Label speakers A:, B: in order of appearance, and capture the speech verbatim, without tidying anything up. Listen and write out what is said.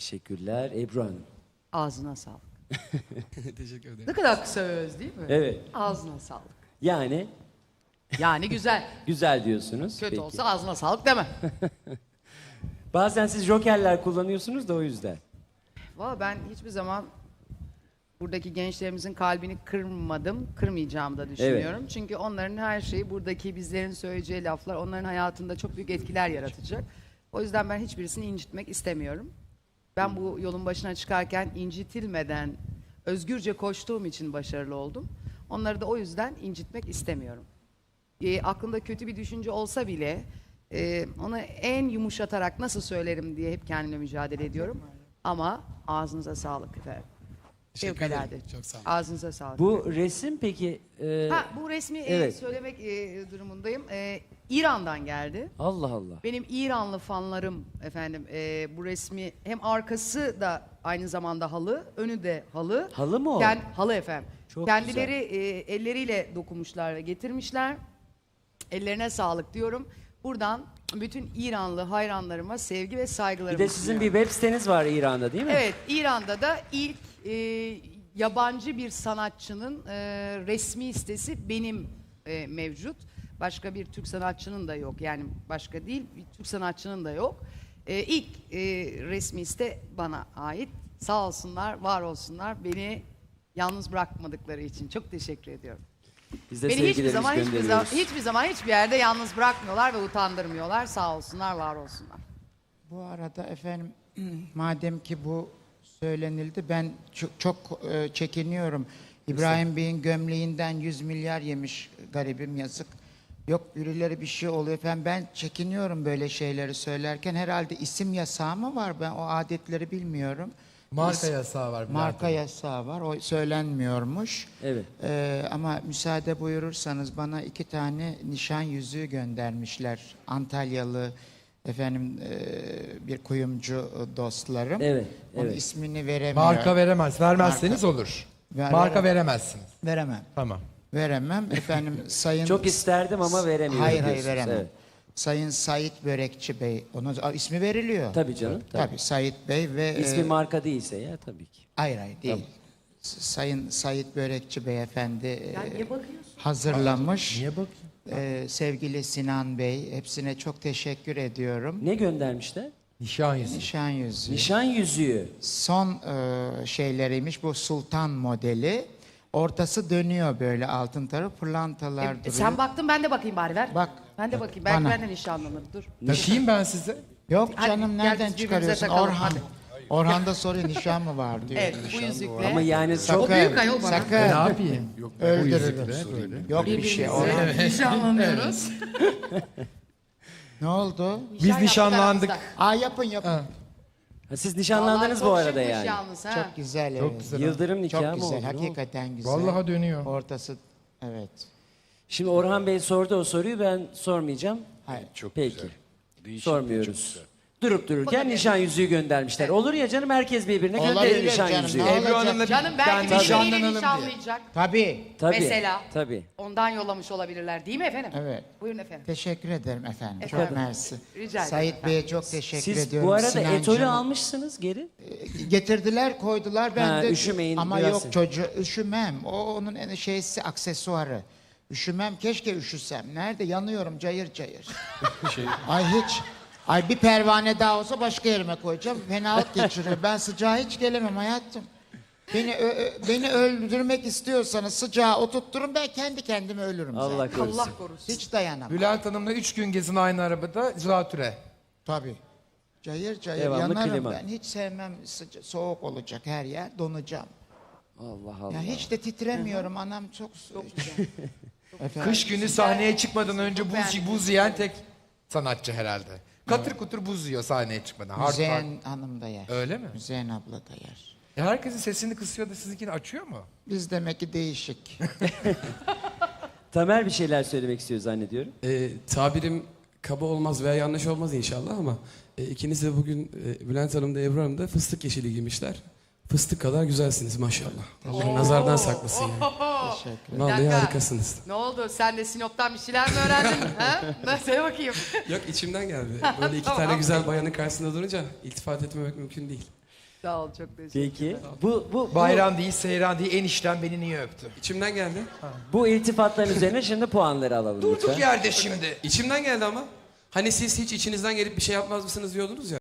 A: Teşekkürler. Ebru Hanım.
B: Ağzına sağlık.
C: Teşekkür ederim.
B: Ne kadar kısa ve öz değil mi?
A: Evet.
B: Ağzına sağlık.
A: Yani
B: Yani güzel.
A: güzel diyorsunuz.
B: Kötü
A: Peki.
B: olsa ağzına sağlık deme.
A: Bazen siz jokerler kullanıyorsunuz da o yüzden.
B: Valla ben hiçbir zaman buradaki gençlerimizin kalbini kırmadım, kırmayacağımı da düşünüyorum. Çünkü onların her şeyi, buradaki bizlerin söyleyeceği laflar onların hayatında çok büyük etkiler yaratacak. O yüzden ben hiçbirisini incitmek istemiyorum. Ben bu yolun başına çıkarken incitilmeden özgürce koştuğum için başarılı oldum. Onları da o yüzden incitmek istemiyorum. E, aklımda kötü bir düşünce olsa bile e, onu en yumuşatarak nasıl söylerim diye hep kendimle mücadele ediyorum. Ama ağzınıza sağlık efendim.
C: Teşekkür ederim.
B: Fevkalade.
C: Çok sağ olun.
B: Ağzınıza sağlık.
A: Bu resim peki... e,
B: Ha, bu resmi e,
A: Evet.
B: söylemek e, durumundayım. E, İran'dan geldi.
A: Allah Allah.
B: Benim İranlı fanlarım efendim e, bu resmi hem arkası da aynı zamanda halı, önü de halı.
A: Halı mı o?
B: Ken- halı efendim.
A: Çok
B: Kendileri e, elleriyle dokunmuşlar ve getirmişler. Ellerine sağlık diyorum. Buradan bütün İranlı hayranlarıma sevgi ve
A: Bir
B: saygılarımı
A: de sizin bir
B: sunuyorum.
A: web siteniz var İran'da değil mi?
B: Evet, İran'da da ilk e, yabancı bir sanatçının e, resmi sitesi benim e, mevcut. Başka bir Türk sanatçının da yok. Yani başka değil, bir Türk sanatçının da yok. E, ilk e, resmi site bana ait. Sağ olsunlar, var olsunlar. Beni yalnız bırakmadıkları için çok teşekkür ediyorum.
A: Biz de
B: Beni hiçbir
A: sevgilerimizi
B: zaman hiçbir zaman
A: gönderiyoruz.
B: hiçbir zaman hiçbir yerde yalnız bırakmıyorlar ve utandırmıyorlar. Sağ olsunlar, var olsunlar.
D: Bu arada efendim madem ki bu söylenildi ben çok, çok e, çekiniyorum. İbrahim Bey'in gömleğinden yüz milyar yemiş garibim yazık. Yok birileri bir şey oluyor efendim ben çekiniyorum böyle şeyleri söylerken herhalde isim yasağı mı var ben o adetleri bilmiyorum.
C: Marka yasağı var. Bülent
D: Marka
C: Hanım.
D: yasağı var o söylenmiyormuş.
A: Evet.
D: Ee, ama müsaade buyurursanız bana iki tane nişan yüzüğü göndermişler. Antalyalı efendim e, bir kuyumcu dostlarım.
A: Evet,
D: Onun
A: evet.
D: ismini veremiyorum.
C: Marka veremez. Vermezseniz olur.
D: Ver-
C: Marka
D: verem-
C: veremezsiniz.
D: Veremem.
C: Tamam.
D: Veremem. Efendim sayın...
A: Çok isterdim ama veremiyorum
D: Hayır hayır
A: diyorsunuz,
D: veremem.
A: evet.
D: Sayın Sait Börekçi Bey. Onun Aa, ismi veriliyor.
A: Tabii canım. Tabii.
D: Tabii Sait Bey ve...
A: İsmi
D: e,
A: marka değilse ya tabii ki.
D: Hayır hayır değil.
A: Tamam.
D: S- Sayın Sait Börekçi Beyefendi e,
B: Ya niye bakıyorsun?
D: hazırlamış.
C: Niye bakayım?
D: Ee, sevgili Sinan Bey, hepsine çok teşekkür ediyorum.
A: Ne göndermişler?
C: Nişan yüzüğü.
D: Nişan yüzüğü.
A: Nişan yüzüğü.
D: Son e, şeyleriymiş bu Sultan modeli. Ortası dönüyor böyle altın tarafı pırlantalar
B: E,
D: duruyor.
B: sen baktın ben de bakayım bari ver.
D: Bak.
B: Ben de bakayım. Belki
D: Bana.
B: benden nişanlanır. Dur.
C: Takayım ben size.
D: Yok
B: Hadi,
D: canım
B: gel
D: nereden
B: biz birbirimize
D: çıkarıyorsun?
B: takalım,
D: Orhan.
B: hadi.
D: Orhan da soruyor nişan mı var diyor.
B: Evet bu yüzükle.
A: Ama yani çok...
B: O büyük ayol bana.
D: Sakın.
C: Ne yapayım? Yok,
D: Öldürürüm.
C: böyle.
D: Yok bir şey. Orhan.
B: Birbirimize nişanlanıyoruz.
D: Ne oldu?
C: Biz
B: Nişan
C: nişanlandık.
B: yaptık
D: Aa yapın yapın.
C: Ha.
A: Ha, siz nişanlandınız
B: Vallahi
A: bu
B: çok
A: arada
B: şıkmış
A: yani.
B: yalnız, ha.
D: Çok güzel
C: Çok
D: evet.
C: güzel.
A: Yıldırım nikahı
D: Çok
A: mı
D: güzel.
A: oldu? Ne oldu?
D: Hakikaten güzel.
C: Vallahi dönüyor.
D: Ortası evet.
A: Şimdi Orhan Bey sordu o soruyu, ben sormayacağım.
D: Hayır.
E: Çok
A: Peki.
E: güzel. Değişik,
A: Sormuyoruz.
E: çok güzel.
A: Durup dururken nişan yüzüğü göndermişler. Olur ya canım, herkes birbirine gönderir
D: Olabilir
A: nişan
D: canım,
A: yüzüğü.
D: ne
C: Ebru
D: olacak?
C: Hanım'la bir
B: Canım
C: ben
B: belki birbiriyle
C: nişanlanalım diye.
B: nişanlayacak.
D: Tabii.
A: Tabii.
B: Mesela.
A: Tabii.
B: Ondan yollamış olabilirler değil mi efendim?
D: Evet.
B: Buyurun efendim.
D: Teşekkür ederim efendim.
B: Efendim.
D: Çok mersi.
B: Rica ederim
D: Sait
B: efendim.
D: Bey'e çok teşekkür
A: Siz
D: ediyorum.
A: bu arada
D: Sinancığım.
A: etolü almışsınız geri.
D: Getirdiler koydular ben
A: Ha,
D: de.
A: üşümeyin,
D: Ama
A: biraz-
D: yok çocuğu üşümem. O onun en şeysi aksesuarı. Üşümem keşke üşüsem. Nerede yanıyorum cayır cayır.
E: Şey,
D: Ay hiç. Ay bir pervane daha olsa başka yerime koyacağım. Fenalık geçiriyor. Ben sıcağa hiç gelemem hayatım. Beni ö- ö- beni öldürmek istiyorsanız sıcağa oturtturun ben kendi kendime ölürüm zaten.
A: Allah korusun.
B: Allah korusun.
D: Hiç dayanamam.
C: Bülent Hanım'la üç gün gezin aynı arabada zatüre.
D: Tabii. Cayır cayır
A: Devamlı
D: yanarım
A: klima.
D: ben. Hiç sevmem sıca- soğuk olacak her yer. Donacağım.
A: Allah Allah.
D: Ya hiç de titremiyorum. Anam çok Efendim?
C: Kış günü sahneye çıkmadan önce buz,
B: beğendim.
C: buz yiyen tek sanatçı herhalde. Katır kutur buz yiyor sahneye çıkmadan. Hard rock.
D: Müzeyyen Hanım da yer.
C: Öyle mi?
D: Müzeyyen abla da yer.
C: E herkesin sesini kısıyor da sizinkini açıyor mu?
D: Biz demek ki değişik.
A: Tamer bir şeyler söylemek istiyor zannediyorum.
F: E, tabirim kaba olmaz veya yanlış olmaz inşallah ama e, ikiniz de bugün e, Bülent Hanım da Ebru Hanım da fıstık yeşili giymişler. Fıstık kadar güzelsiniz maşallah. Allah nazardan saklasın yani.
D: Teşekkür
F: Vallahi
B: dakika.
F: harikasınız.
B: Ne oldu? Sen de Sinop'tan bir şeyler mi öğrendin? ha? Söyle bakayım.
F: Yok içimden geldi. Böyle iki
B: Tamam.
F: tane güzel bayanın karşısında durunca iltifat etmemek mümkün değil.
B: Sağ ol, çok teşekkür
A: Peki. Bu, bu, bu,
C: Bayram değil, seyran değil, enişten beni niye öptü?
F: İçimden geldi.
A: bu iltifatların üzerine şimdi puanları alalım
C: Durduk
A: lütfen.
C: yerde şimdi.
F: İçimden geldi ama. Hani siz hiç içinizden gelip bir şey yapmaz mısınız diyordunuz ya.